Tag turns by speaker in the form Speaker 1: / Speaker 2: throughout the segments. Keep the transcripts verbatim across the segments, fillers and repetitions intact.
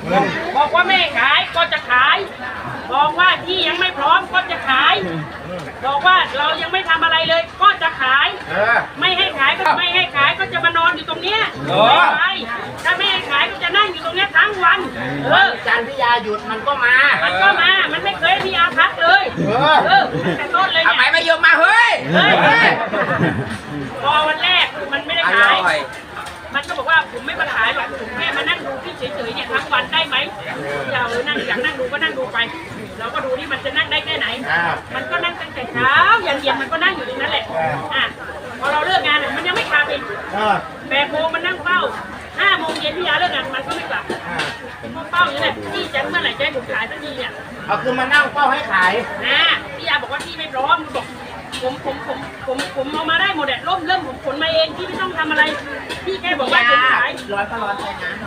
Speaker 1: บอกว่าไม่ขายก็จะขายบอกว่าที่ยังไม่พร้อมก็จะขายบอกว่าเรายังไม่ทำอะไรเลยก็จะขายไม่ให้ขายก็ไม่ให้ขายก็จะมานอนอยู่ตรงเนี้ยไม่ไปถ้าไม่ให้ขายก็จะนั่งอยู่ตรงเนี้ยทั้งวันเออ
Speaker 2: จันพี่ยาหยุดมันก็มา
Speaker 1: มันก็มามันไม่เคยมีอาภัพเลยเออแต่ต้นเลยเนี่ย
Speaker 2: ทำไมไม่ยอมมาเฮ้ย
Speaker 1: พอวันแรกมันไม่ได้ขายมันก็บอกว่าผมไม่มาขายหรอกผมแค่มานั่งดูพี่เฉยๆเนี่ยทั้งวันได้ไหมอย่าเออนั่งอยากนั่งดูก็นั่งดูไปเราก็ดูนี่มันจะนั่งได้แค่ไหนมันก็นั่งตั้งแต่เช้ายันเย็นมันก็นั่งอยู่ตรงนั้นแหละอ่ะพอเราเลิกงานมันยังไม่กลับอีกแปดโมงมันนั่งเฝ้าห้าโมงเย็นพี่ยาเลิกงานมันก็ไม่กลับเฝ้าอยู่เนี่ยพี่จะเมื่อไหร่จะให้ผมขายสักทีเนี่ย
Speaker 2: เอาคือมานั่งเฝ้าให้ขาย
Speaker 1: นะพี่ยาบอกว่าพี่ไม่พร้อมบอกผมผมผมผมผมเอามาได้หมดแหละร่มเริ่มผมขนมาเองพี่ไม่ต้องทำอะไรพี่แค่บอกว่าจะขาย
Speaker 2: ร้อยก็ร้อนใจนะ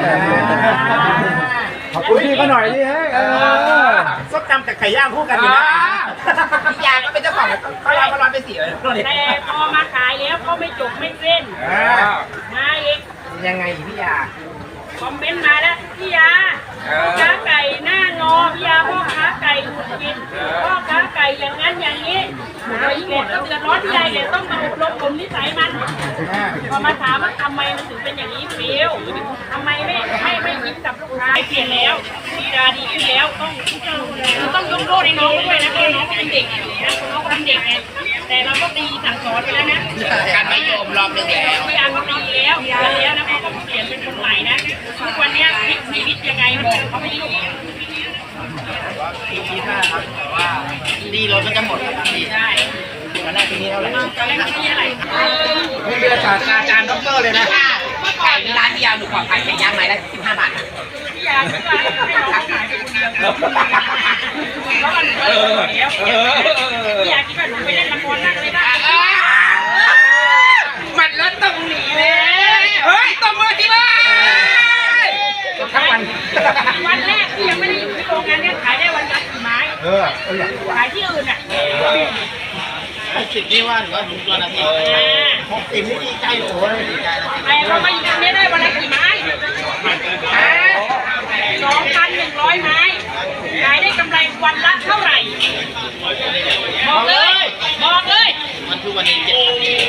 Speaker 3: ขอบคุณพี่ก็หน่อยดิเฮ้ย
Speaker 2: ส้มตำกับไข่ย่างคู่กันอยู่นะพี่ยาก็เป็นเจ้าของเขาร้อนก็ร้อนไปสิ
Speaker 1: แต่พอมาขายแล้วก็ไม่จบไม่เส้นมาอีก
Speaker 2: ยังไงพี่ยา
Speaker 1: คอมเมนต์มาแล้วพี่ยาพ่อค้าไก่หน้างอพี่ยาพ่อค้าไก่หุดกินพ่อค้าไก่อย่างนั้นอย่างนี้เลยเด็ดก็เดือดร้อนพี่ยาเลยต้องมาอบรมผมนิสัยมันพอมาถามว่าทำไมมันถึงเป็นอย่างนี้ฟิวทำไมไม่ไม่ไม่ยิ้มกับลูกค้าเปลี่ยนแล้วดีดาดีขึ้นแล้วต้องต้องยกโทษให้น้องด้วยนะเพราะน้องก็เป็นเด็กนะน้องก็เป็นเด็กไงแต่เราก็ตีสั่งสอนไปแล้วนะ
Speaker 2: การไม่ยอมรอบนึงแล้ว
Speaker 1: พี่ยาก็ดีแล้วดีแล้วนะเขาก็เปลี่ยนเป็นคนใหม่นะทุกวันนี้พลิกชีวิตยังไงบอกเขาไม่รู้
Speaker 2: ปีที่ห้าครับแต่ว่าดีรถมันจะหมดดีได้ตอนแรกปีนี้เท่าไหร่
Speaker 1: ตอนแรกปีนี้อะไร
Speaker 2: ไม่เดือนศาสตราจารย์ด็อกเตอร์เลยนะไก่ร้านพี่ยาหนูขอขายไก่ย่างไม้ได้สิบห้าบาท
Speaker 1: พี่ยาคิดว่าให้น้องขายคนเดียวแล้วมันเออพี่ยาคิดว่าหนูไปเล่นละครนั่งเลยได้
Speaker 2: มันรถตรงนี้เลยเฮ้ยตบมือที่บ้านทั้งวัน
Speaker 1: วันแรกที่ยังไม่ได้อยู่ที่โรงงานเนี่ยขายได้วันละกี่ไม้
Speaker 3: เออ
Speaker 1: ขายที่อื่นอ่ะ
Speaker 2: หกสิบนี่ว่าหรือว่าหนึ่งตัวนาทีหกสิบนี่ดีใจโอ้ยดีใจนะ
Speaker 1: แต่เรามาอยู่ตรงนี้ได้วันละกี่ไม้สองพันหนึ่งร้อยไม้ขายได้กำไรวันละเท่าไหร่บอกเลยบอกเลย
Speaker 2: มันคือวันนี้เจ็ด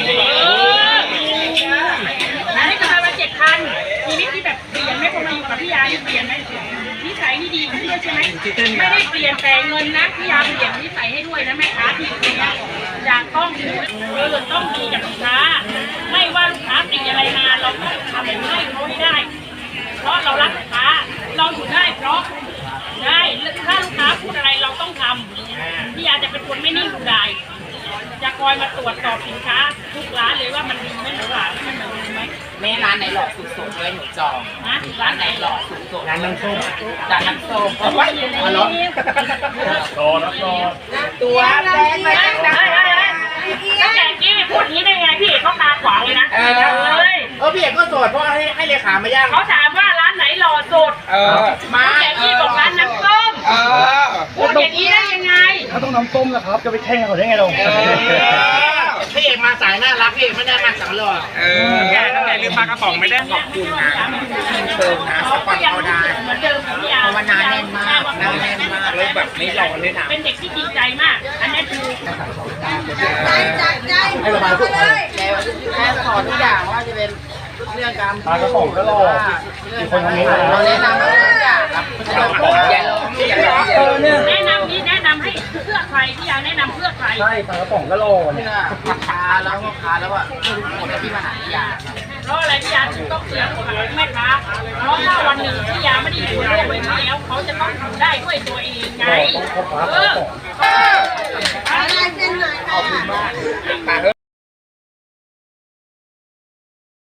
Speaker 1: ขายได้กำไรวันเจ็ดพันชีวิตที่แบบเปลี่ยนไหมคนมาอยู่กับพี่ยาเปลี่ยนไหมนิสัยที่ดีขึ้นด้วยใช่ไหมไม่ได้เปลี่ยนแต่เงินนะพี่ยาเปลี่ยนนิสัยให้ด้วยนะแม่ค้าที่อยู่ตรงนี้อยากต้องเออต้องดีกับลูกค้าไม่ว่าลูกค้าติดอะไรมาเราต้องทำให้เขาให้ได้เพราะเรารักลูกค้าเราอยู่ได้เพราะได้ถ้าลูกค้าพูดอะไรเราต้องทำพี่ยาจะเป็นคนไม่นิ่งดูดายจะคอยมาตรวจสอบสินค้าทุกร้านเลยว่ามันดีไหมหรือเปล่ามันเหมือนไหม
Speaker 2: แม่ร้านไหนหล่อสุดๆเลยหนูจอง
Speaker 1: นะร้านไหนหล่อสุด
Speaker 2: ๆร้านน้ำส้มร้านน้ำส้มเอาไว้เอาล้อรอรับรอตัวแดงมาจังได้
Speaker 1: แล้วแต่กี้พูดนี้ได้ไงพี่เขาตาขวางเลยนะ
Speaker 2: เออเออพี่เอกก็โสดเพราะให้ให้เลขามาย่าง
Speaker 1: เขาถามว่าร้านไหนหล่อสุด
Speaker 2: เออ
Speaker 1: มาแต่กี้บอกร้านน้ำส้ม
Speaker 2: เออ
Speaker 1: พูดอย่างนี้ได้ยังไง
Speaker 3: เขาต้องน้ำส้มนะครับจะไปแข่งเขาได้ไงเรา
Speaker 2: พี่เอกมาสายน่ารักพี่เอกไม่ได้มาสังหล่อเออแกตั้งแต่ลืมปลากระป๋องไม่ได้ขอบคุณนะเชิญนะสปอนเซอร์ได้
Speaker 1: เหมือนเดิมพี่ยา
Speaker 2: ภาวนาแน่นมากแน่นมากเลยแบบไม่หล่อเลยนะ
Speaker 1: เป็นเด็กที่จริงใจมากอันนี้คือ
Speaker 2: ใจใจใจให้ระบายทุกคนแค่สอนทุกอย่างว่าจะเป็นเรื่องการ
Speaker 3: ปลากระป๋องก็หล่อมีคนทำนี้
Speaker 2: เราแนะนำทุกอย่างครับอย่าลองอย่าลอง
Speaker 1: แนะนำนี่แนะนำให้เพื่อใครพี่ยาแนะนำเพื่อใคร
Speaker 3: ใช่ปลากระป๋องก็หล่อ
Speaker 2: เพื่อลูกค้าแล้วลูกค้าแล้วว่าหมดที่มาหาพี่ยา
Speaker 1: เพราะอะไรพี่ยาถึงต้องเสียของแม่ค้าเพราะถ้าวันหนึ่งพี่ยาไม่ได้อยู่ในโลกใบนี้แล้วเขาจะต้องทำได้ด้วยตัวเองไงเออ